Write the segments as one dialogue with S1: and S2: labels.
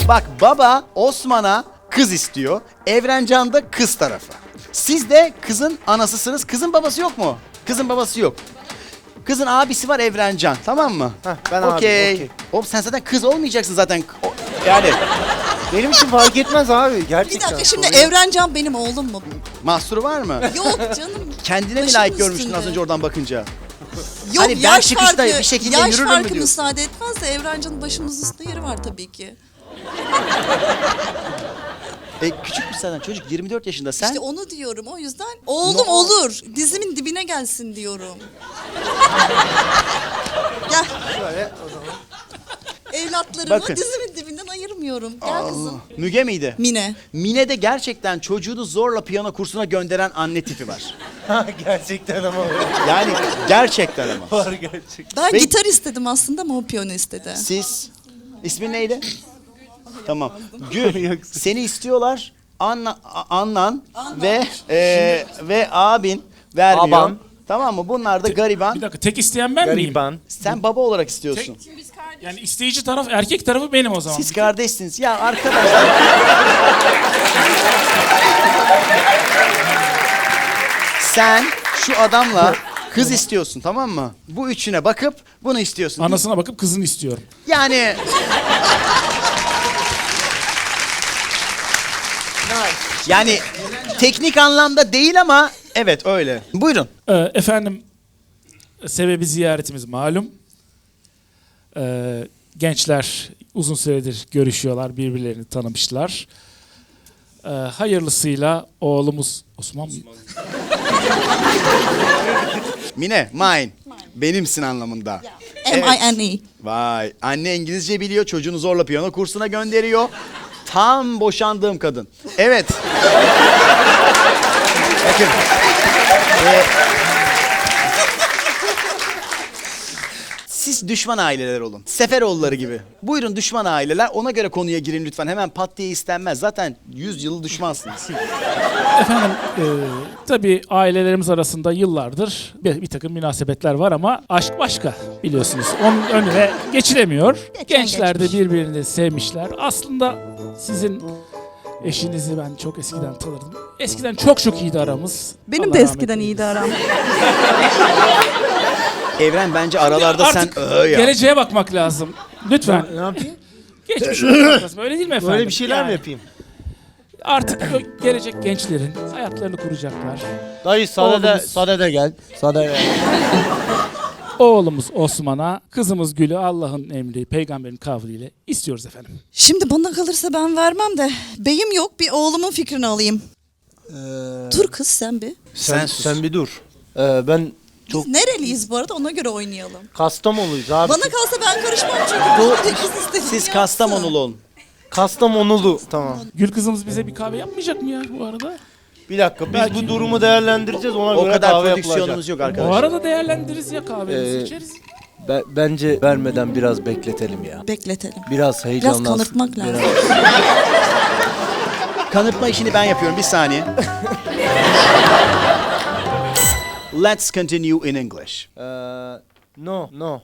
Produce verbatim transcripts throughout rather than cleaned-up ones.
S1: Bak baba Osman'a kız istiyor. Evrencan da kız tarafı. Siz de kızın anasısınız. Kızın babası yok mu? Kızın babası yok. Kızın abisi var Evrencan. Tamam mı?
S2: Heh, ben abi,
S1: Okey.
S2: okey.
S1: Oğlum sen zaten kız olmayacaksın zaten. O- yani
S2: Benim için fark etmez abi
S3: Bir
S2: gerçekten.
S3: dakika şimdi
S2: Sorun yok.
S3: Evrencan benim oğlum mu?
S1: mahsuru var mı?
S3: Yok canım.
S1: Kendine mi
S3: Başımın
S1: layık görmüştün
S3: üstünde.
S1: az önce oradan bakınca?
S3: Yok
S1: Hani ben
S3: yaş
S1: çıkışta
S3: farkı,
S1: bir şekilde
S3: yaş
S1: yürürüm mü
S3: farkı
S1: diyorsun?
S3: müsaade etmez de Evrencan'ın başımızın üstünde yeri var tabii ki.
S1: E, küçük bir senden çocuk yirmi dört yaşında sen.
S3: İşte onu diyorum o yüzden oğlum
S1: No.
S3: olur. Dizimin dibine gelsin diyorum. Gel.
S2: Şöyle o zaman.
S3: Evlatlarımı
S1: Bakın.
S3: dizimin dibinden ayırmıyorum. Gel kızım.
S1: Müge miydi?
S3: Mine.
S1: Mine'de gerçekten çocuğunu zorla piyano kursuna gönderen anne tipi var.
S2: Ha, gerçekten ama var.
S1: Yani gerçekten ama.
S2: Var gerçekten.
S3: Ben
S1: Ve-
S3: gitar istedim aslında ama o piyano istedi.
S1: Siz, ismin neydi? Tamam. Gül, seni istiyorlar. Anna, A- Annan ve e, ve abin vermiyor.
S2: Aban.
S1: Tamam mı? Bunlar da gariban.
S4: Bir dakika tek isteyen ben miyim?
S2: Gariban.
S1: Sen baba olarak istiyorsun.
S4: Yani isteyici taraf erkek tarafı benim o zaman.
S1: Siz kardeşsiniz. Ya arkadaşlar. Sen şu adamla kız istiyorsun, tamam mı? Bu üçüne bakıp bunu istiyorsun.
S4: Anasına bakıp kızını istiyorum.
S1: Yani yani teknik anlamda değil ama evet öyle. Buyurun.
S4: Ee, efendim sebebi ziyaretimiz malum. Ee, gençler uzun süredir görüşüyorlar, birbirlerini tanımışlar. Ee, hayırlısıyla oğlumuz Osman mı?
S1: Mine, mine. Benimsin anlamında.
S3: M I N E.
S1: Vay. Anne İngilizce biliyor. Çocuğunu zorla piyano kursuna gönderiyor. Tam boşandığım kadın. Evet. Bakın. Ee, siz düşman aileler olun. Seferoğulları gibi. Buyurun düşman aileler. Ona göre konuya girin lütfen. Hemen pat diye istenmez. Zaten yüz yılı düşmansınız.
S4: Efendim e, tabii ailelerimiz arasında yıllardır bir, bir takım münasebetler var ama aşk başka biliyorsunuz. Onun önüne geçilemiyor. Gençler de birbirini sevmişler. Aslında sizin eşinizi ben çok eskiden tanırdım. Eskiden çok çok iyiydi aramız.
S3: Benim
S4: Allah
S3: de
S4: rahmet
S3: eskiden
S4: eylesin.
S3: iyiydi aram.
S1: Evren bence aralarda
S4: Artık
S1: sen öö ya.
S4: geleceğe bakmak lazım. Lütfen.
S2: Ne yapayım?
S4: Geçmiş olmak lazım. Öyle değil mi efendim?
S2: Böyle bir şeyler mi
S4: Yani
S2: yapayım?
S4: Artık o gelecek gençlerin hayatlarını kuracaklar.
S2: Dayı sade de,
S4: Oğlumuz-
S2: sade de gel. Sade gel.
S4: Oğlumuz Osman'a, kızımız Gül'ü Allah'ın emri, peygamberin kavliyle istiyoruz efendim.
S3: Şimdi bana kalırsa ben vermem de beyim yok bir oğlumun fikrini alayım. Dur kız sen bir.
S2: Sen,
S1: Sen sus.
S2: sen bir dur. Ee, ben çok
S3: Biz nereliyiz bu arada ona göre oynayalım.
S2: Kastamonuluyuz abi.
S3: Bana kalsa ben karışmam çünkü.
S1: Bu-
S3: Bu kız istediğini
S1: Siz
S3: yapsın.
S1: Kastamonulu olun.
S2: Kastamonulu. Tamam.
S4: Gül kızımız bize bir kahve yapmayacak mı ya bu arada?
S2: Bir dakika biz
S4: Belki-
S2: bu durumu değerlendireceğiz ona
S1: O
S2: göre
S1: kadar
S2: kahve
S1: prodüksiyonumuz
S2: yapılacak.
S1: yok
S4: O
S1: arkadaşlar.
S4: arada değerlendiririz ya kahvemizi
S2: Ee,
S4: içeriz.
S2: Be- bence vermeden biraz bekletelim ya.
S3: Bekletelim.
S2: Biraz heyecanlansın.
S3: kanırtmak lazım.
S2: Biraz-
S1: Kanıtma işini ben yapıyorum. Bir saniye. Let's continue in English.
S2: Ee, no, no.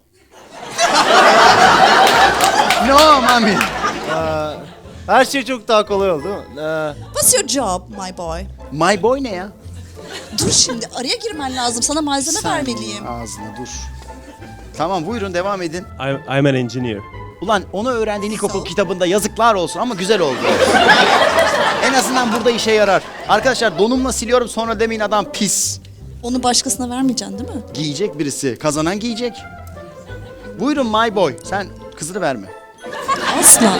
S1: No, mami.
S2: Her şey çok daha kolay oldu değil mi? Ee,
S3: What's your job my boy?
S1: My boy ne ya?
S3: Dur şimdi araya girmen lazım. Sana malzeme
S1: Sen
S3: vermeliyim.
S1: Ağzına dur. Tamam buyurun devam edin.
S5: I'm, I'm an engineer.
S1: Ulan onu öğrendiğin
S3: Sağ
S1: ilkokul
S3: ol.
S1: kitabında yazıklar olsun ama güzel oldu. En azından burada işe yarar. Arkadaşlar donumla siliyorum sonra demeyin adam pis.
S3: Onu başkasına vermeyeceksin değil mi?
S1: Giyecek birisi. Kazanan giyecek. Buyurun my boy. Sen kızını verme.
S3: Asla.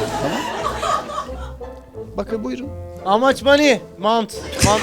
S1: Bakın buyurun.
S2: how much money? Mount. Mount.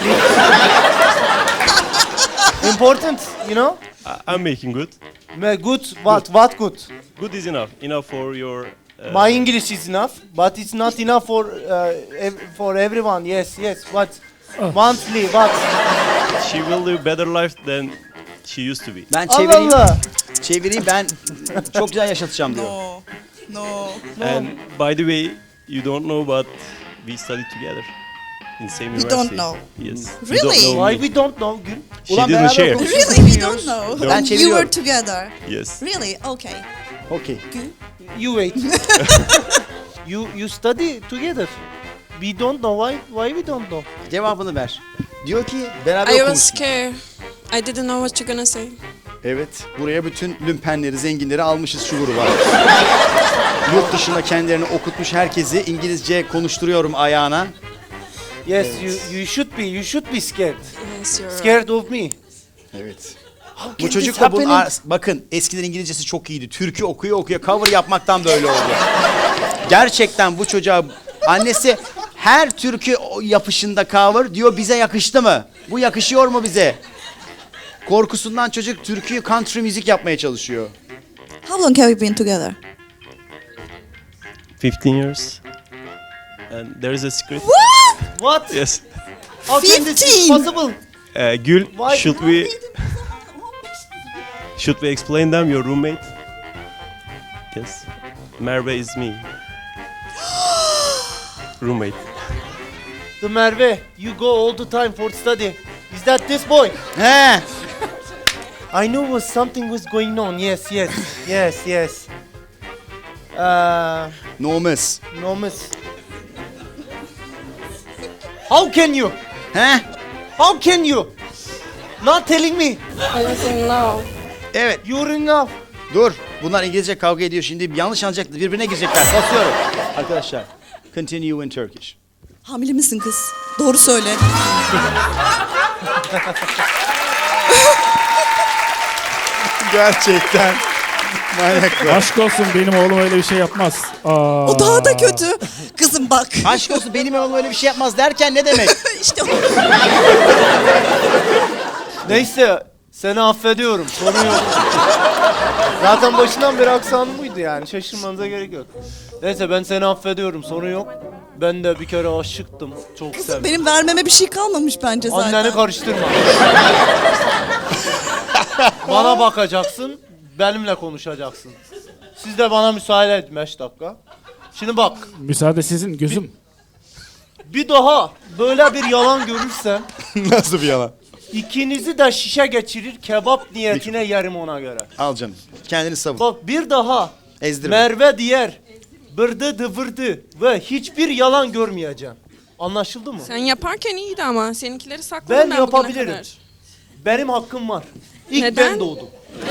S2: Important, you know?
S5: I, I'm making good.
S2: Ma- Good, what, what good?
S5: Good is enough. Enough for your. Uh,
S2: My English is enough, but it's not enough for uh, ev- for everyone. Yes, yes. What?
S4: Oh.
S2: Monthly, what?
S5: she will live better life than she used to be.
S1: Ben
S2: Allah
S1: çevireyim.
S2: Allah.
S1: Çevireyim ben çok güzel yaşatacağım diyor.
S3: No. No.
S5: And by the way, you don't know, but we studied together in same
S3: We
S5: university.
S3: don't know.
S5: Yes. You
S3: Really?
S5: don't know
S2: Why
S5: me.
S2: we don't know? Gül?
S5: She
S1: Ulan
S5: didn't
S1: beraber
S5: share.
S1: konuşuyoruz.
S3: Really we don't know.
S1: Ben
S3: You
S1: çeviriyorum.
S3: were together.
S5: Yes.
S3: Really? Okay.
S1: Okey.
S2: You wait. You you study together. We don't know why why we don't know.
S1: Cevabını ver. Diyor ki beraber
S6: I was
S1: okumuş.
S6: scared. I didn't know what you're gonna say.
S1: Evet, buraya bütün lümpenleri, zenginleri almışız şu gruba. Yurt dışında kendilerini okutmuş herkesi İngilizce konuşturuyorum ayağına.
S2: Yes, you you should be you should be scared.
S6: Yes, you're right.
S2: Scared of me.
S1: Evet.
S2: How
S1: Bu
S2: can
S1: çocuk
S2: this
S1: da bunun,
S2: happen in-
S1: ar- bakın eskiden İngilizcesi çok iyiydi. Türkü okuyor okuyor cover yapmaktan böyle oldu. Gerçekten bu çocuğa annesi her türkü o yapışında cover diyor bize yakıştı mı? Bu yakışıyor mu bize? Korkusundan çocuk türkü country müzik yapmaya çalışıyor.
S3: How long have you been together?
S5: fifteen years. And there is a secret.
S2: What?
S5: Yes.
S2: How can this be
S3: fifteen?
S2: possible?
S5: Uh, Gül,
S2: Why-
S5: should we should we explain them your roommate? Yes. Merve is me. Roommate.
S2: The Merve, you go all the time for study. Is that this boy?
S1: He.
S2: I knew was something was going on. Yes, yes, yes, yes. Uh,
S1: No miss.
S2: no miss. How can you?
S1: He?
S2: How can you? Not telling me.
S6: I was in love.
S1: Evet.
S2: You're in love.
S1: Dur. Bunlar İngilizce kavga ediyor şimdi. Yanlış anlayacaklar. Birbirine girecekler. Basıyorum. Arkadaşlar. Continue in Turkish.
S3: Hamile misin kız? Doğru söyle.
S1: Gerçekten. Manyak.
S4: Aşk olsun benim oğlum öyle bir şey yapmaz. Aa.
S3: O daha da kötü. Kızım bak.
S1: Aşk olsun benim oğlum öyle bir şey yapmaz derken ne demek?
S3: işte o.
S2: Neyse, seni affediyorum. Sorun yok. Zaten başından beri aksanım buydu yani. Şaşırmanıza gerek yok. Neyse ben seni affediyorum. Sorun yok. Ben de bir kere aşıktım. Çok
S3: Kızım
S2: sevdim.
S3: benim vermeme bir şey kalmamış bence zaten.
S2: Anneni karıştırma. Bana bakacaksın, benimle konuşacaksın. Siz de bana müsaade edin beş dakika. Şimdi bak,
S4: Müsaade sizin gözüm.
S2: bir daha böyle bir yalan görürsem
S1: Nasıl bir yalan?
S2: ikinizi de şişe geçirir, kebap niyetine yerim ona göre.
S1: Al canım. Kendini savun.
S2: Bak bir daha
S1: Ezdirme.
S2: Merve diğer bırdı dıvırdı ve hiçbir yalan görmeyeceğim. Anlaşıldı mı?
S6: Sen yaparken iyiydi ama seninkileri sakladın
S2: Ben
S6: ben, bugüne
S2: yapabilirim.
S6: kadar.
S2: Benim hakkım var. İlk
S6: Neden?
S2: ben doğdum.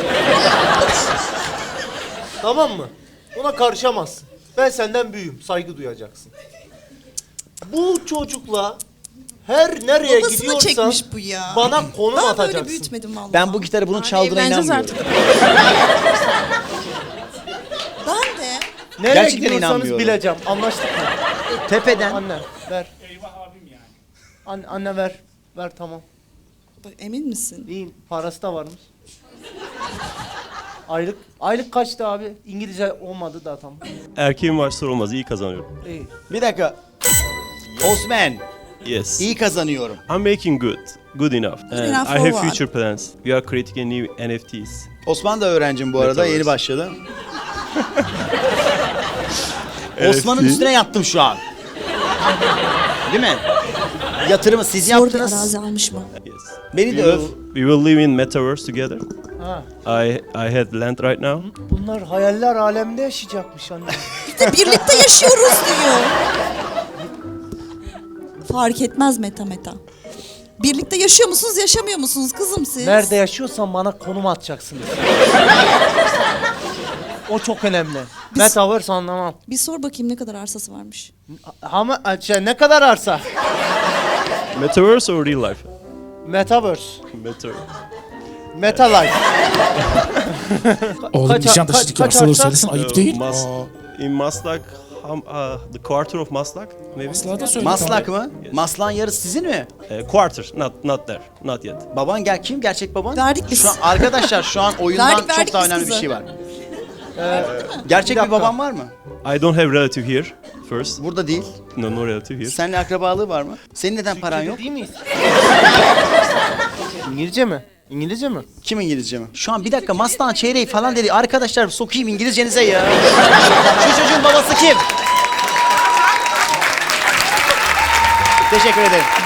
S2: Tamam mı? Ona karışamazsın. Ben senden büyüğüm. Saygı duyacaksın. Bu çocukla her nereye
S3: Babasını
S2: gidiyorsan
S3: çekmiş bu ya.
S2: bana konum
S3: Ben böyle
S2: atacaksın.
S3: büyütmedim vallahi.
S1: Ben bu gitarı bunun
S6: Hadi
S1: çaldığına
S6: evleneceğiz
S1: inanmıyorum.
S6: artık.
S3: Ben de.
S2: Nereye
S1: Gerçekten
S2: gidiyorsanız
S1: inanmıyorum.
S2: bileceğim. Anlaştık mı?
S1: Tepeden.
S2: Anne ver. Anne, anne ver. Ver tamam.
S3: Bak, emin misin?
S2: İyiyim. Parası da varmış. Aylık aylık kaçtı abi? İngilizce olmadı da tamam.
S5: Erkeğin varsa olmaz. İyi kazanıyorum.
S2: İyi.
S1: Bir dakika. Osman.
S5: Yes.
S1: İyi kazanıyorum.
S5: I'm making good. Good enough. And
S3: enough
S5: I
S3: for
S5: have
S3: what?
S5: future plans. We are creating a new N F Ts.
S1: Osman da öğrencim bu arada.
S5: Metaverse.
S1: Yeni başladı. Osman'ın üstüne yattım şu an. Değil mi? Yatırımı siz
S3: Zor bir
S1: yaptınız.
S3: arazi almış mı?
S5: Yes.
S1: Beni
S5: We
S1: de öv.
S5: will, we will live in metaverse together.
S2: Ha.
S5: I I had land right now.
S2: Bunlar hayaller aleminde yaşayacakmış anne.
S3: Biz de birlikte yaşıyoruz diyor. Fark etmez meta meta. Birlikte yaşıyor musunuz, yaşamıyor musunuz kızım siz?
S2: Nerede yaşıyorsan bana konum atacaksın. O çok önemli. Metaverse anlamam.
S3: Bir sor bakayım ne kadar arsası varmış.
S2: Ama şey, ne kadar arsa?
S5: Metaverse or real life?
S2: Metaverse.
S5: Metaverse.
S2: Meta life.
S4: Oğlum
S2: Kaç-
S4: Nişantaşı'daki
S2: kaç- kaç
S4: arsaları
S2: arsa?
S4: söylesin ayıp
S5: Uh,
S4: değil.
S5: Mas-
S4: Aa,
S5: in Maslak, um, uh, the quarter of Maslak, maybe.
S4: Maslak'ı da söyle.
S1: Maslak mı? Maslak'ın yarısı sizin mi?
S5: Uh, quarter, not not there, not yet.
S1: Baban gel kim? Gerçek baban?
S3: Verdik biz.
S1: Şu an arkadaşlar şu an oyundan
S3: Verdik, verdik
S1: çok daha
S3: biz
S1: önemli bir
S3: kızı.
S1: şey var. Gerçek
S2: Bir
S1: bir
S2: dakika.
S1: baban var mı?
S5: I don't have relative here. First,
S1: Burada değil.
S5: no no relative here.
S1: Seninle akrabalığı var mı? Senin neden paran
S2: Türkiye'de
S1: yok?
S2: Değil miyiz? İngilizce mi? İngilizce mi?
S1: Kim İngilizce mi? Şu an bir dakika Maslak'ın çeyreği falan dedi. Arkadaşlar sokayım İngilizcenize ya. Şu çocuğun babası kim? Teşekkür ederim.